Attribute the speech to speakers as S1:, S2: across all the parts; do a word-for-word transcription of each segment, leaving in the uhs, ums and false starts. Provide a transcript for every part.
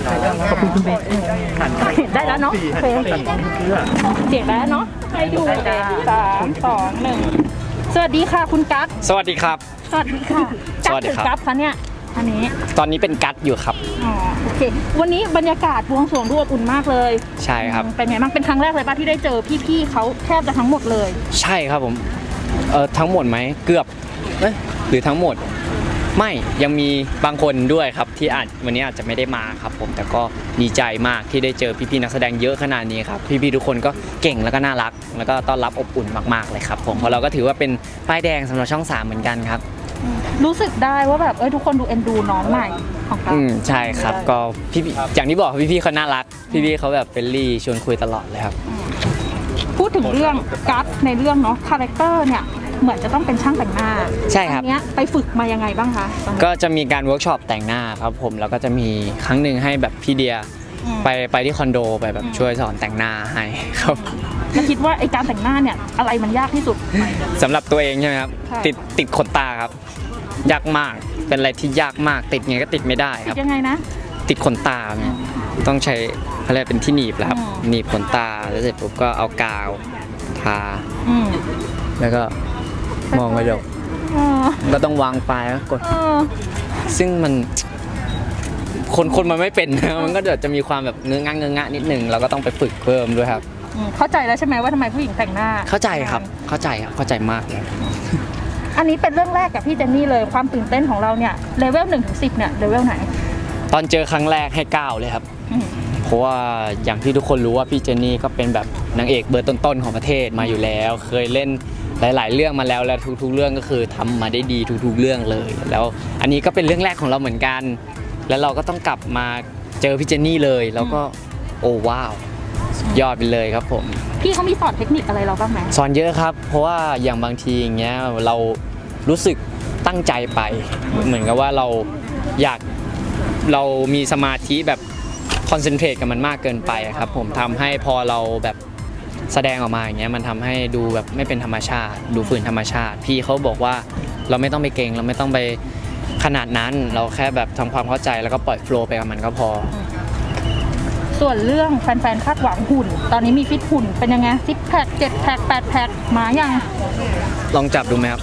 S1: ขอบคุณคุณเบส
S2: ได้แล้วเนาะโอเคเสียงแล้วเนาะให้ดูสามสองหนึ่งสวัสดีค่ะคุณกั๊ก
S3: สวัสดีครับ
S2: สวัสดีค่ะ
S3: สวัสดีครับ
S2: กั๊กคะเนี่ยอันนี้
S3: ตอนนี้เป็นกั๊กอยู่ครับ
S2: อ๋อโอเควันนี้บรรยากาศบวงสรวงดูอบอุ่นมากเลย
S3: ใช่ครับ
S2: เป็นไงบ้างเป็นครั้งแรกเลยป่ะที่ได้เจอพี่ๆเขาแทบจะทั้งหมดเลย
S3: ใช่ครับผมเออทั้งหมดไหมเกือบเอ้ยหรือทั้งหมดไม่ยังมีบางคนด้วยครับที่อาจวันนี้อาจจะไม่ได้มาครับผมแต่ก็ดีใจมากที่ได้เจอพี่ๆนักแสดงเยอะขนาดนี้ครับพี่ๆทุกคนก็เก่งแล้วก็น่ารักแล้วก็ต้อนรับอบอุ่นมากๆเลยครับผมเพราะเราก็ถือว่าเป็นป้ายแดงสำหรับช่องสามเหมือนกันครับ
S2: รู้สึกได้ว่าแบบเอ้ยทุกคนดูเอ็นดูน้องใหม่ของเรา
S3: อืมใช่ครับก็พี่อย่างที่บอกพี่ๆเขาน่ารักพี่ๆเขาแบบเฟรนลี่ชวนคุยตลอดเลยครับ
S2: พูดถึงเรื่องกั๊กในเรื่องเนาะคาแรคเตอร์เนี่ยเหมือนจะต้องเป็นช่างแต่งหน้า
S3: ใช่ครับ
S2: อันนี้ไปฝึกมายังไงบ้างคะ
S3: ก็จะมีการเวิร์กช็อปแต่งหน้าครับผมแล้วก็จะมีครั้งหนึ่งให้แบบพี่เดียไปไปที่คอนโดไปแบบช่วยสอนแต่งหน้าให้ครับ
S2: แล้วคิดว่าไอการแต่งหน้าเนี่ยอะไรมันยากที่สุด
S3: สำหรับตัวเองใช่ไหมครับติดติดขนตาครับยากมากเป็นอะไรที่ยากมากติดไงก็ติดไม่ได้ครับ
S2: ยังไงนะ
S3: ติดขนตาเนี่ยต้องใช้อะไรเป็นที่หนีบแล้วครับหนีบขนตาแล้วเสร็จปุ๊บก็เอากาวทาแล้วก็มองกระจกก็ต้องวางปลายแล้วกดซึ่งมันคนคนมันไม่เป็นนะมันก็เดี๋ยวจะมีความแบบเงื้องะเงื้องะนิดนึงเราก็ต้องไปฝึกเพิ่มด้วยครับ
S2: เข้าใจแล้วใช่ไหมว่าทำไมผู้หญิงแต่งหน้า
S3: เข้าใจครับเข้าใจครับเข้าใจมากเลย
S2: อันนี้เป็นเรื่องแรกกับพี่เจนนี่เลยความตื่นเต้นของเราเนี่ยเลเวลหนึ่งถึงสิบเนี่ยเลเวลไหน
S3: ตอนเจอครั้งแรกให้เก้าเลยครับเพราะว่าอย่างที่ทุกคนรู้ว่าพี่เจนนี่ก็เป็นแบบนางเอกเบอร์ต้นๆของประเทศมาอยู่แล้วเคยเล่นหลายๆเรื่องมาแล้วและทุกๆเรื่องก็คือทำมาได้ดีทุกๆเรื่องเลยแล้วอันนี้ก็เป็นเรื่องแรกของเราเหมือนกันแล้วเราก็ต้องกลับมาเจอพี่เจนนี่เลยแล้วก็โอ้ว้าวยอดไปเลยครับผม
S2: พี่เขามีสอนเทคนิคอะไรเราบ้างไหม
S3: สอนเยอะครับเพราะว่าอย่างบางทีอย่างเงี้ยเรารู้สึกตั้งใจไปเหมือนกับว่าเราอยากเรามีสมาธิแบบคอนเซนเทรตกับมันมากเกินไปครับผมทำให้พอเราแบบแสดงออกมาอย่างเงี้ยมันทำให้ดูแบบไม่เป็นธรรมชาติดูฝืนธรรมชาติพี่เขาบอกว่าเราไม่ต้องไปเก่งเราไม่ต้องไปขนาดนั้นเราแค่แบบทำความเข้าใจแล้วก็ปล่อยโฟลว์ไปกับมันก็พอ
S2: ส่วนเรื่องแฟนๆคาดหวังหุ่นตอนนี้มีฟิตหุ่นเป็นยังไงซิกแพคเจ็ดแพคแปดแพคมายัง
S3: ลองจับดูไหมครับ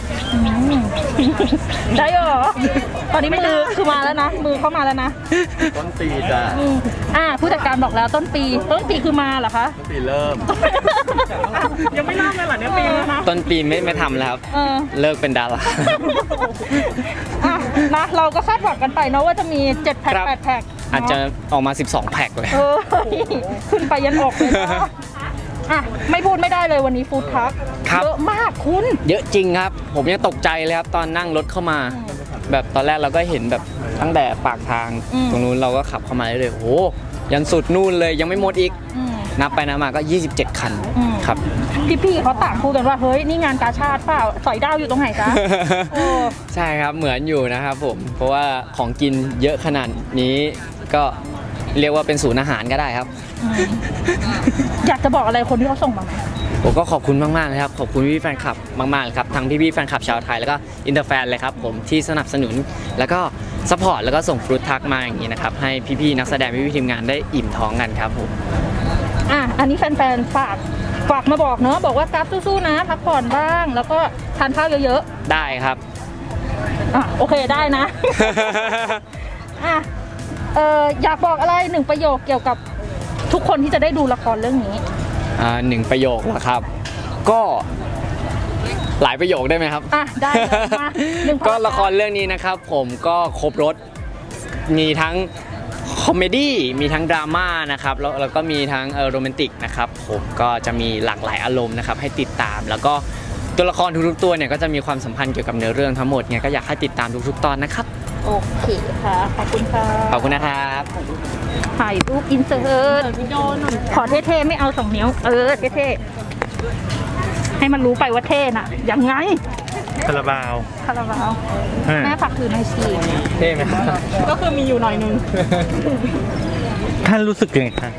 S2: ได้เหรอตอนนี้มือคือมาแล้วนะมือเข้ามาแล้วนะ
S1: ต้นปีจ้ะ
S2: อ่าผู้จัดการบอกแล้วต้นปีต้นปีคือมาเหรอคะ
S1: ต้นปีเริ่ม
S2: ยังไม่เริ่มเลยเหรอเนี่ยปีแล้วนะ
S3: ต้นปีไม่ไม่ทำแล้วเลิกเป็นดารา
S2: อ่ะนะเราก็คาดหวังกันไปเนาะว่าจะมีเจ็ดแพคแปดแพค
S3: อาจจะออกมาสิบสองแพคเลย
S2: ขึ้นไปยันออกเลยอ่ะไม่พูดไม่ได้เลยวันนี้ฟู้ดทักเยอะมากคุณ
S3: เยอะจริงครับผมยังตกใจเลยครับตอนนั่งรถเข้ามาแบบตอนแรกเราก็เห็นแบบตั้งแต่ปากทางตรงนู้นเราก็ขับเข้ามาเลยโอ้ยันสุดนู่นเลยยังไม่หมดอีกนับไปนับมาก็ยี่สิบเจ็ดคันครับ
S2: พี่ๆเขาต่างพูดกันว่าเฮ้ยนี่งานกาชาติเปล่าสอยดาวอยู่ตรงไหนจ๊ะ
S3: ใช่ครับเหมือนอยู่นะครับผมเพราะว่าของกินเยอะขนาดนี้ก็เรียกว่าเป็นศูนย์อาหารก็ได้ครับ
S2: อยากจะบอกอะไรคนที่เขาส่งมาไหม
S3: ผมก็ขอบคุณมากๆเลยครับขอบคุณพี่แฟนคลับมากๆเลยครับทั้งพี่ๆแฟนคลับชาวไทยแล้วก็อินเตอร์แฟนเลยครับผมที่สนับสนุนแล้วก็ซัพพอร์ตแล้วก็ส่งฟรุตทักมาอย่างนี้นะครับให้พี่ๆนักแสดงพี่ๆทีมงานได้อิ่มท้องกันครับผม
S2: อ่ะอันนี้แฟนๆฝากฝากมาบอกเนอะบอกว่ากั๊บสู้ๆนะพักผ่อนบ้างแล้วก็ทานข้าวเยอะ
S3: ๆได้ครับ
S2: อ่ะโอเคได้นะอ่ะเอ่ออยากบอกอะไรหนึ่งประโยคเกี่ยวกับทุกคนที่จะได้ดูละครเรื่องนี้
S3: อ่าหนึ่งประโยคเหรอครับก็หลายประโยคได้ไหมครับ
S2: อ่ะได้มา
S3: ก็ละครเรื่องนี้นะครับผมก็ครบรสมีทั้งคอมเมดี้มีทั้งดราม่านะครับแล้วแล้วก็มีทั้งเออโรแมนติกนะครับผมก็จะมีหลากหลายอารมณ์นะครับให้ติดตามแล้วก็ตัวละครทุกๆตัวเนี่ยก็จะมีความสัมพันธ์เกี่ยวกับเนื้อเรื่องทั้งหมดเนี่ยก็อยากให้ติดตามทุกๆตอนนะครับ
S2: โอเคค่ะขอบคุณค่ะ
S3: ขอบคุณนะครับ
S2: ถ่ายรูปอินเสิร์ตขอเท่ๆไม่เอาสองนิ้วเออเท่ๆให้มันรู้ไปว่าเท่น่ะยังไง
S1: คาราบาว
S2: คาราบาวแม่ฝากถือหน่อยสิ
S3: เท่ไหม
S2: ก็คือมีอยู่หน่อยนึง
S1: ท่านรู้สึกยังไงท่าน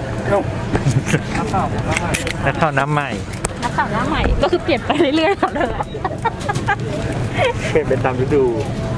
S1: นักข่าวน้ำใหม่
S2: นักข่าวน้ำใหม่ก็คือเปลี่ยนไปเรื่อยๆเลย
S1: เปลี่ยนเป็นตามฤดู